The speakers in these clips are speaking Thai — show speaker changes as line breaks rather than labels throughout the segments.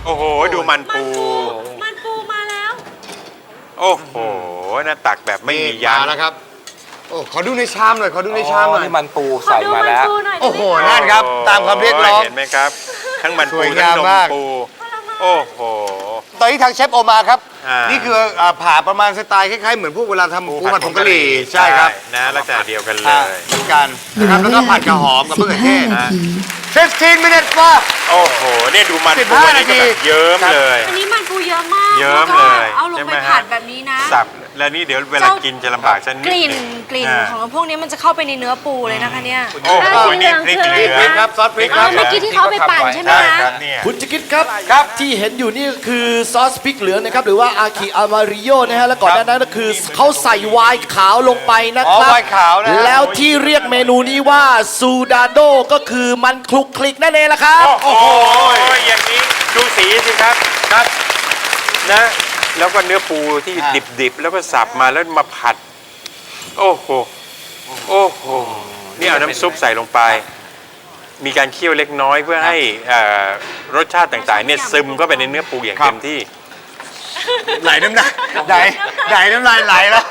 โอ้โหดูมันปู
มันปูมาแล้ว
โอ้โหน่าตักแบบไม่มียั้ง
มาแล้วครับโอ้ขอดูในชามหน่อยขอดูในชามหน่อย
นี่มันปูใส่มาแล้ว
โอ้โหนั่นครับตามคำเรียกร้อง
เห็นไหมครับ ทั้งมัน
ส
ปู
วย
ทั้
งาง ม
นม
มาก
ปูโอ้โห
ตอนนี้ทางเชฟโอมาครับ
อ่านี่
นี่คือผ่าประมาณสไตล์คล้ายๆเหมือนพวกเวลาทำปูผัดผงกะหรี่ใช่ครับ
นะลักษณะเดียวกันเล
อ่าย เหมือนกันนะครับแล้วก็ผัดกระหอมกับมะเขือเทศ
15 นาที
15 minutes ว่า
โอ้โหเนี่ยดูมันปู
15
นี่ก็แบบเยิ้มเลย
อันนี้มันปูเยอะมาก
เยิ้ม
แวก็
เลย
เอาลง
ใช่ไห
ไป
มฮะ
ผัดแบบนี้นะ
สับแล้วนี่เดี๋ยวเวลากินจะลำบากสักนิด
กลิ่น
หนึ่ง
กลิ่น
อ่า
ของพวกนี้มันจะเข้าไปในเนื้อปูเลยนะคะเนี่ย
โอ้โหนี่พริกเหลื
พริ
อก ง
ครับซอสพริกค
อ่า
รับ
เมื่อกี้ที่เขาเอาไปปั่นใช่ไหม
ใช่
คะ
ครับเนี่ย
คุณจะคิดครับที่เห็นอยู่นี่คือซอสพริกเหลืองนะครับหรือว่าอาคิอามาริโยนะฮะแล้วก่อนหน้านั้นก็คือเขาใส่ไวน์ขาวลงไปนะครั
ไวน์ขาวนะฮะ
แล้วที่เรียกเมนูนี้ว่าซูดาโดก็คือมันคลุกคลิกนั่นเองละครับ
โอ้โหอย่างนี้ดูสีสิครับครับนะแล้วก็เนื้อปูที่ดิบๆแล้วก็สับมาแล้วมาผัด โอ้โหโอ้โหนี่เอาน้ำซุปใส่ลงไป มีการเคี่ยวเล็กน้อยเพื่อให้รสชาติต่างๆเนี่ยซึมเข้าไปในเนื้อปูอย่างเต็มที่
ไหลน้ำลายไหลน้ำลายไหลแล้ว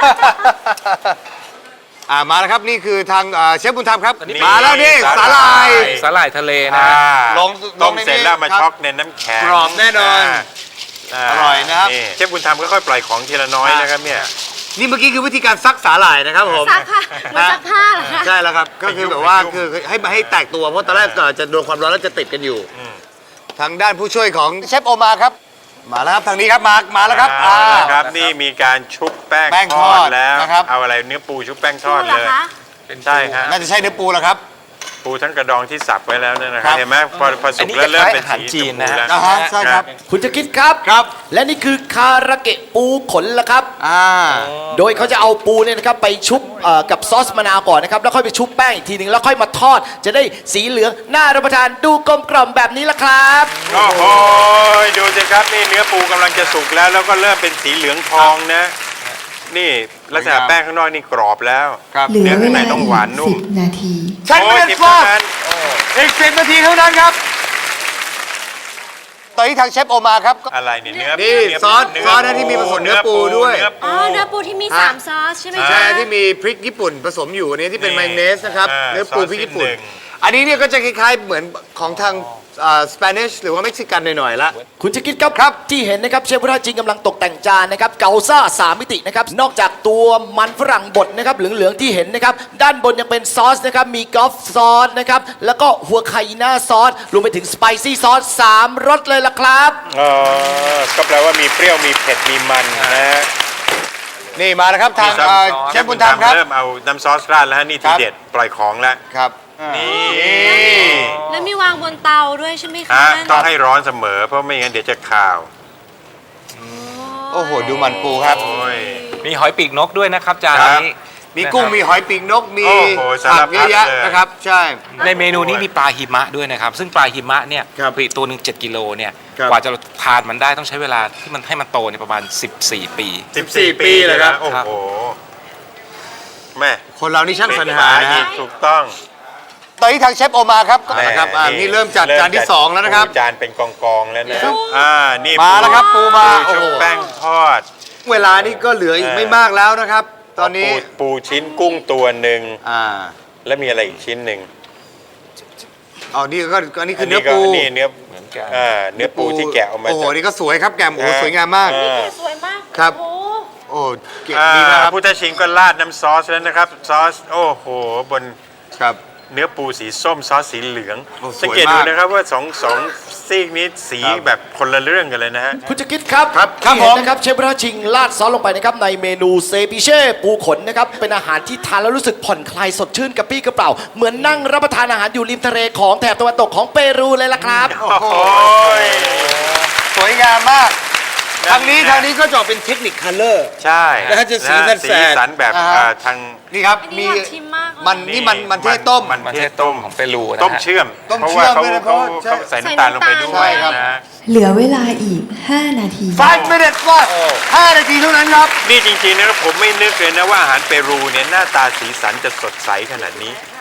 มาแล้วครับนี่คือทางเชฟบุญธรรมครับ
อันนี้
มาแล้วนี่สาหร่าย
สาหร่ายทะเลนะ
ลง
ต้มเสร็จแล้วมา
ครับ
ช็อกในน้ำแข็ง
กรอบแน่นอนอร่อยนะครับ
เชฟบุญธรรมค่อยๆปล่อยของทีละน้อยนะครับเนี่ย
นี่เมื่อกี้คือวิธีการซักสาหร่ายนะครับผม
ซักค่ะเหมือนซักผ้าเหรอคะ
ใช่แล้วครับก็คือแบบว่าคือให้แตกตัวเพราะตอนแรกจะโดนความร้อนแล้วจะติดกันอยู่ ทางด้านผู้ช่วยของเชฟโอมาครับ มาแล้วครับทางนี้ครับมาแล้วครับ
ครับนี่มีการชุบแป้ง
แป้ง
ท
ท
อ
อ
ด
ด
แล้ว
นะครับ
เอาอะไรเนื้อปูชุบแป้งทอด
ปูเหร
เลย
คะ
ใช่ฮะ
น่าจะใช่เนื้อปูแล้วครับ
ปูทั้งกระดองที่สับไว้แล้วเนี่ยนะค
ครั
รับบ เห็นไหมพอสุกแล้วเริ่มเป็นสีชมพูแล้ว
อ่าฮะใช่ครับ
คุณจะคิดครับ
ครับ
และนี่คือคาราเกะปูขนละครับ โดยเขาจะเอาปูเนี่ยนะครับไปชุบกับซอสมะนาวก่อนนะครับแล้วค่อยไปชุบแป้งอีกทีหนึ่งแล้วค่อยมาทอด จะได้สีเหลืองน่ารับประทานดูกลมกล่อมแบบนี้ละครับ
โอ้โหดูสิครับนี่เนื้อปูกำลังจะสุกแล้วแล้วก็เริ่มเป็นสีเหลืองทองนะ นี่ลักษณะแป้งข้างนอกนี่กรอบแล้ว
ครับ
เหลื
เนื้
อ
อ
เว
ข้างใน
ลา
ต้อง
อีก
หวานนุ่ม
10 นาที
ใช่ไม่เป็น
10
ฟอ
เท่านั้น
อีก10 นาทีเท่านั้นครับ ตอนนี้ทางเชฟโอมาครับ
อะไรเนี่ยเนื้อ
นี่
เนื้
ซอสนะที่มีผสมเนื้อปูด้วย
อ๋อเนื้อปูที่มี3ซอสใช่ไหม
ใช่
คะ
ที่มีพริกญี่ปุ่นผสมอยู่อันนี้ที่เป็นมายองเนสนะครับเนื้อปูพริกญี่ปุ่น
ซอสนิดหนึ่ง
อันนี้เนี่ยก็จะคล้ายๆเหมือนของทางสเปนิชหรือว่าเม็กซิกันหน่อยๆละ
คุณจะคิดครับที่เห็นนะครับเชฟพุทธจริงกำลังตกแต่งจานนะครับเกาซ่า3 มิตินะครับนอกจากตัวมันฝรั่งบดนะครับเหลืองๆที่เห็นนะครับด้านบนยังเป็นซอสนะครับมีกอล์ฟซอสนะครับแล้วก็หัวไคน่าซอสรวมไปถึงสไปซี่ซอส3รสเลยล่ะครับ
อ๋อก็แปลว่ามีเปรี้ยวมีเผ็ดมีมันนะฮะ
นี่มาแล้วครับทาง
มีซอส
เชฟบุญธรรมครับ
เริ่มเอาน้ำซอสราดแล้วฮะนี่
ครั
ที
บ
เด็ดปล่อยของแล้ว
ครับ
นี่
แล้วมีวางบนเตาด้วยใช่ไหมคะ
ฮะ
นั่น
ต้องให้ร้อนเสมอเพราะไม่งั้นเดี๋ยวจะขาว
โอ้โหดูมันปูครับ
โอ้ย
มีหอยปีกนกด้วยนะครับจาน
ครับ
นี้
มีกุ้งมีหอยปีกนกมี
โอ้โหสาร
ผัก
พั
เย
ด
อะแยะ
เลย
นะครับ ใช่
ในเมนูนี้มีปลาหิมะด้วยนะครับ ซึ่งปลาหิมะเนี่ย
ครับ
ผลิตตัวหนึ่ง7 กิโลเนี่ย
ครับ
กว่าจะทานมันได้ต้องใช้เวลาที่มันให้มันโตเนี่ยประมาณ 14 ปี
14 ปีเลยครับ
โอ้โหแม่
คนเรานี่ช่างสรรหานะฮะ
ถูกต้อง
ตอนนี้ทางเชฟโอมาครับนะครับนี่เริ่มจัดจานที่ 2 แล้วนะครับ
จานเป็นกองๆแล้วนะนี่
มาแล้วครับปูมา
ชุบ
โอ้โห
แป้งทอด
เวลานี่ก็เหลืออีกไม่มากแล้วนะครับ ตอนนี้
ปูชิ้นกุ้งตัวหนึ่ง
อ่า
แล้วมีอะไรอีกชิ้นหนึ่ง
นี่ก็อันนี้คือเนื้อปู
นี่เนื้อ
เหมือนกัน
เนื้อปูที่แกะออกมา
โอ้โห
จาก
นี่ก็สวยครับแกมโอ้โหสวยงามมาก
สวยมาก
ครับ
โอ้โห
โอ้เก่งดีนะครับ
พุทธชิงก็ราดน้ำซอสแล้วนะครับ ซอสโอ้โหบน
ครับ
เนื้อปูสีส้มซอสสีเหลือง
โอ้สวย
สังเกตดู
มาก
นะครับว่าสองซีกนี้สี
ครับ
แบบคนละเรื่องกันเลยนะฮะ
คุณจะคิดครับ
ครับ
ที่เห็น
ผม
นะครับเชฟพุทธจริงราดซอสลงไปนะครับในเมนูเซปิเช่ปูขนนะครับเป็นอาหารที่ทานแล้วรู้สึกผ่อนคลายสดชื่นกระปรี้กระเปร่าเหมือนนั่งรับประทานอาหารอยู่ริมทะเลของแถบตะวันตกของเปรูเลยล่ะครับ
โอ้โห
สวยงามมาก ทางนี้ก็จะออกเป็นเทคนิคคัลเลอร์
ใช่
แล้วจะสีแสด
สีสันแบบ
อ่าฮะ
ทาง
นี่ครับ
อันนี้
มี
อยากชิมมากเลย
มันเทศต้ม
มันเทศต้มของเปรูนะฮะ
ต้มเชื่อม
ต้ม
เพราะ
เชื่
ว่า
อมด้วยนะเพราะว่าใช่
เขาใส่น้ำตาลลงไปด้ว
ใช่
ย
ครับ
นะ
เหลือเวลาอีก 5 นาที
5 minutes ว่า5 นาทีเท่านั้นครับ
นี่จริงๆนะครับผมไม่นึกเลยนะว่าอาหารเปรูเนี่ยหน้าตาสีสันจะสดใสขนาดนี้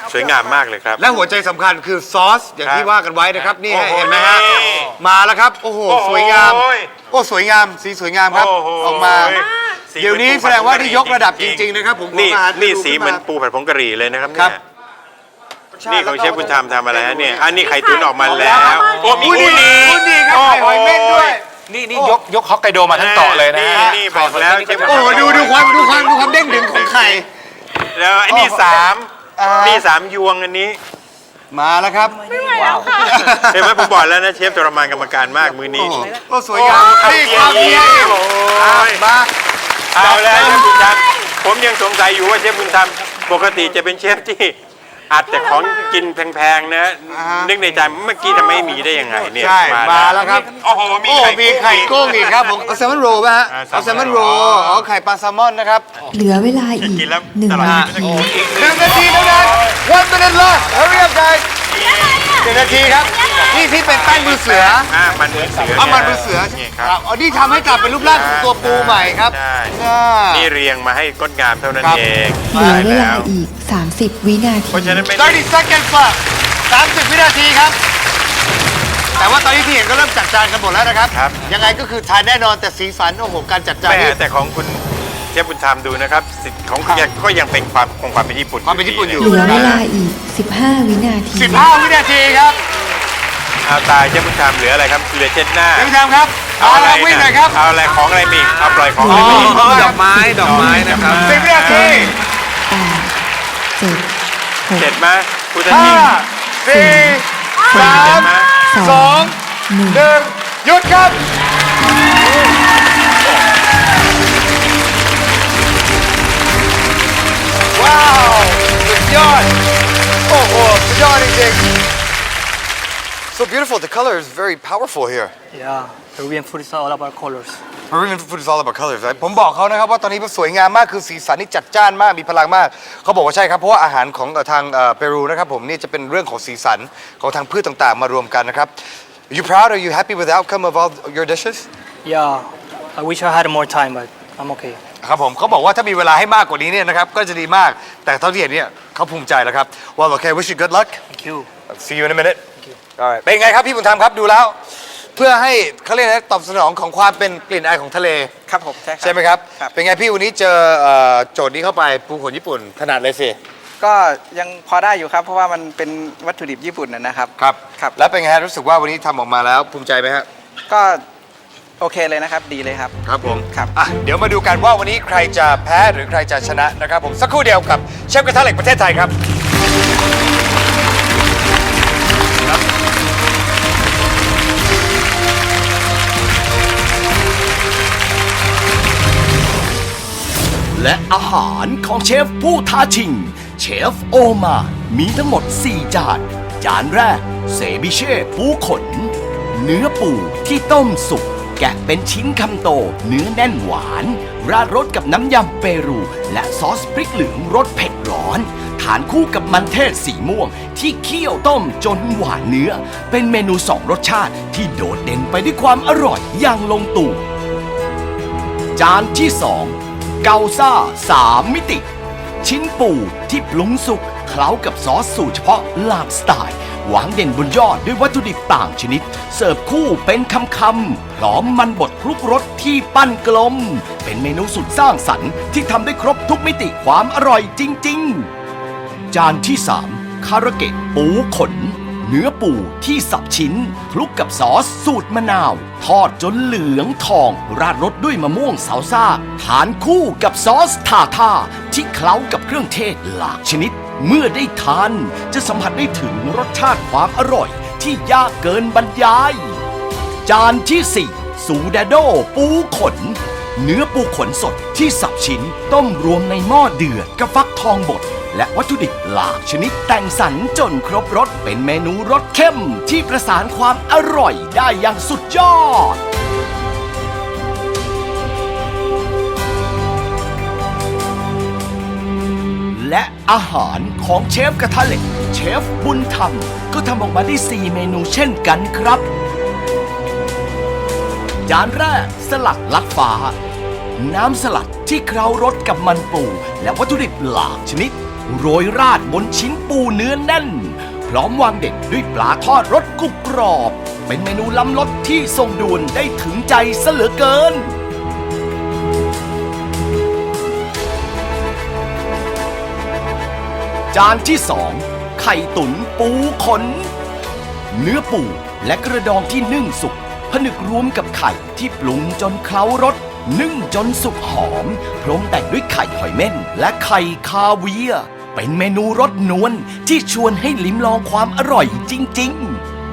สวยงามมากเลยครับ
และหัวใจสำคัญคือซอสอย่างที่ว่ากันไว้นะครับนี่
โอ้โห
เห็นไหมฮะมาแล้วครับโอ้โห
โอ้โห
สวยงามโอ้สวยงามสีสวยงามครับ
โอ้โห
ออกมา
สี
เดี๋ยวนี้แสดงว่าที่ยกระดับจริงๆนะครับผม
นี่
ขอมา
นี่
ดู
สี
ขึ้
เหมือน
มา
ปูผัดผงกะหรี่เลยนะครับ
ครับ
เนี่ยนี่ของเชฟบุญธรรมทำอะไรฮะเนี่ยอันนี้ไข่ตุ๋นออกมาแล้วโอ้มี
อุ้ย
อูนิ
อุ้ยครับไข่หอยเม่นด้วย
นี่ยกฮอกไกโดมาทั้งเกาะเลยนะ
นี่บอกแล้วเชฟบุญธร
โอ้
รม
โหดูความเด้งดึงของไข่
แล้วอันนี้สาม
อ่านี่
นี่สามยวงอันนี้
มาแล้วครับ
เห็นไหมผมบอกแล้วนะเชฟทรมานกรรมการมากมือนี้
โอ้โหโอ้สวยงามนี่ความเพียร
โอ้ย
มา
เอาแล้วเชฟบุญธรรมผมยังสงสัยอยู่ว่าเชฟบุญธรรมปกติจะเป็นเชฟที่อัดแต่ของกินแพงๆนะนึกในใจเมื่อกี้ทำไมไม่มีได้ยังไงเนี่ย
ใช่มาแล้วครับ
โอ้โหมี
โอ้มีไข่กุ้งอีกครับผมเอาแซลมอนโรลป่ะฮะ
อ่าแซลมอนโรล
เอาแซลมอนโรลอ๋อไข่ปลาแซลมอนนะครับ
เหลือเวลาอีก
กินแล้ว
1
ตลอด
นา
ชีวิต
ที
1 นาทีเท่านั้น 1 minute left hurry up guys 1 นาทีครับนี่ที่เป็นแป้งมือเสือ
มันเหมือนเสือ
เอามันมือเสือ
นี่ครับ
อ๋อนี่ทำให้กลับเป็นรูปร่างของตัวปูใหม่ครับ
ใช่
อ่า
นี่เรียงมาให้ก้นงามเท่านั้น
ครับ
เอง
เหลือเวลา
แล้ว
อีก 30 วินาที
เพราะฉะนั้นไม่
30 seconds left 30 วินาทีครับ แต่ว่าตอนนี้ที่เห็นก็เริ่มจัดจานกันหมดแล้วนะครับ ยังไงก็คือทานแน่นอนแต่สีสันโอ้โหการจัดจาน
แม่
นี่
แต่ของคุณเชฟบุญธรรมดูนะครับสิทธิ์ของคุณก็ยังเป็นความเป็นญี่ปุ่น
ความเป็นญี่ปุ่นอยู่
เหลือเวลาอีก 15 วินาที
15 วินาทีครับ
เอาตายเชฟบุญธรรมเหลืออะไรครับเหลือเช็ดหน้า
เดี๋ยวพี่ทำครับเอาละวิ่งหน่อยครับ
เอาอะไรของอะไรมีอีกเอาปล่อยของอะไรมีอีก
ดอกไม้นะครับ
10 วินาที
8 7
เสร็จ
6
ไหมคุณทันที
5 4 3 2 1 หยุดครับ ว้าว สุดยอด โอ้โห สุดยอดจริงๆ So beautiful. The color is very powerful here.
Yeah, Peruvian food is all about colors.
Peruvian food is all about colors. ผมบอกเขานะครับว่าตอนนี้มันสวยงามมากคือสีสันนี่จัดจ้านมากมีพลังมาก เขาบอกว่าใช่ครับ เพราะว่าอาหารของทางเปรูนะครับผมนี่จะเป็นเรื่องของสีสันของทางพืชต่างๆ มารวมกันนะครับ Are you proud? Are you happy with the outcome of all your dishes?
Yeah, I wish I had more time, but I'm okay.
ครับผมเขาบอกว่าถ้ามีเวลาให้มากกว่านี้เนี่ยนะครับก็จะดีมากแต่เท่าที่เห็นเนี่ยเขาภูมิใจแล้วครับ Well, okay. Wish you good luck.
Thank you.
See you in a minute. Alright. เป็นไงครับพี่บุญธรรมครับดูแล้ว เพื่อให้เขาเรียกนะตอบสนองของความเป็นกลิ่นอายของทะเล
ครับผมใช่ครับ
ใช่ไหมครับ
ครับ
เป็นไงพี่วันนี้เจอโจทย์นี้เข้าไปปูขนญี่ปุ่นถนัดเลยสิ
ก็ยังพอได้อยู่ครับ เพราะว่ามันเป็นวัตถุดิบญี่ปุ่นนะครับ
ครับ
ครับ
แล้วเป็นไงฮะรู้สึกว่าวันนี้ทำออกมาแล้วภูมิใจไหมฮะ
ก็โอเคเลยนะครับ ดีเลยครับ
ครับผม
ครับ
อ่ะเดี๋ยวมาดูกันว่าวันนี้ใครจะแพ้หรือใครจะชนะนะครับผมสักครู่เดียวกับเชฟกระทะเหล็กประเทศไทยครับ
และอาหารของเชฟผู้ท้าชิง เชฟโอมามีทั้งหมด 4 จาน จานแรกเซบิเช่ปูขน เนื้อปูที่ต้มสุก แกะเป็นชิ้นคำโต เนื้อแน่นหวาน ราดรสกับน้ำยำเปรู และซอสพริกเหลืองรสเผ็ดร้อน ทานคู่กับมันเทศสีม่วง ที่เคี่ยวต้มจนหวานเนื้อ เป็นเมนู 2 รสชาติที่โดดเด่นไปด้วยความอร่อยอย่างลงตัว จานที่ 2 เกาซ่า 3 มิติ ชิ้นปูที่ปรุงสุกเคล้ากับซอสสูตรเฉพาะหลากสไตล์วางเด่นบนยอดด้วยวัตถุดิบต่างชนิด เสิร์ฟคู่เป็นคำๆพร้อมมันบดคลุกรสที่ปั้นกลม เป็นเมนูสุดสร้างสรรค์ที่ทำได้ครบทุกมิติความอร่อยจริงๆ จานที่ 3 คาราเกะปูขน เนื้อปูที่สับชิ้นคลุกกับซอสสูตรมะนาว ทอดจนเหลืองทอง ราดรสด้วยมะม่วงซาลซ่าทานคู่กับซอสทาท่าที่เคล้ากับเครื่องเทศหลากชนิด เมื่อได้ทานจะสัมผัสได้ถึงรสชาติความอร่อยที่ยากเกินบรรยาย จานที่ 4 สูดาโดปูขน เนื้อปูขนสดที่สับชิ้นต้มรวมในหม้อเดือดกับฟักทองบดและวัตถุดิบหลากชนิดแต่งสรรจนครบรสเป็นเมนูรสเข้มที่ประสานความอร่อยได้อย่างสุดยอด และอาหารของเชฟกระทะเหล็กเชฟบุญธรรมก็ทำออกมาได้ 4 เมนูเช่นกันครับ จานแรกสลัดลัดฟ้า น้ำสลัดที่เคล้ารสกับมันปูและวัตถุดิบหลากชนิดโรยราดบนชิ้นปูเนื้อแน่น พร้อมวางเด็ดด้วยปลาทอดรสกรุบกรอบ เป็นเมนูล้ำรสที่ทรงดวนได้ถึงใจซะเหลือเกิน จานที่ 2 ไข่ตุ๋นปูขน เนื้อปูและกระดองที่นึ่งสุกผนึกรวมกับไข่ที่ปรุงจนเคล้ารสนึ่งจนสุกหอม พร้อมแต่งด้วยไข่หอยเม่นและไข่คาเวียร์เป็นเมนูรสนวลที่ชวนให้ลิ้มลองความอร่อยจริง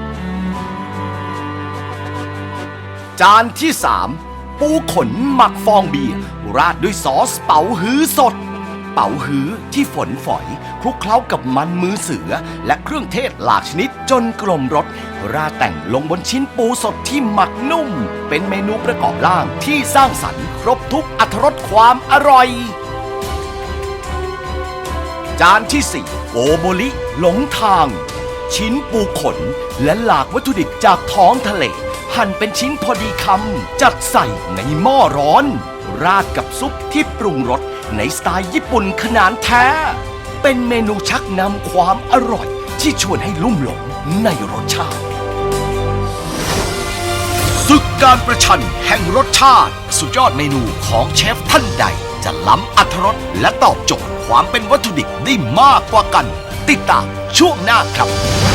ๆ จานที่ 3 ปูขนหมักฟองเบียร์ราดด้วยซอสเป๋าฮื้อสด เป๋าฮื้อที่ฝนฝอยคลุกเคล้ากับมันมือเสือและเครื่องเทศหลากชนิดจนกลมรสราดแต่งลงบนชิ้นปูสดที่หมักนุ่ม เป็นเมนูประกอบร่างที่สร้างสรรค์ครบทุกอรรถรสความอร่อย จานที่ 4 โกโบริหลงทาง ชิ้นปูขนและหลากวัตถุดิบจากท้องทะเล หั่นเป็นชิ้นพอดีคำจัดใส่ในหม้อร้อน ราดกับซุปที่ปรุงรสในสไตล์ญี่ปุ่นขนาดแท้ เป็นเมนูชักนำความอร่อยที่ชวนให้ลุ่มหลงในรสชาติศึกการประชันแห่งรสชาติสุดยอดเมนูของเชฟท่านใดจะล้ำอรรถรสและตอบโจทย์ความเป็นวัตถุดิบได้มากกว่ากัน ติดตามช่วงหน้าครับ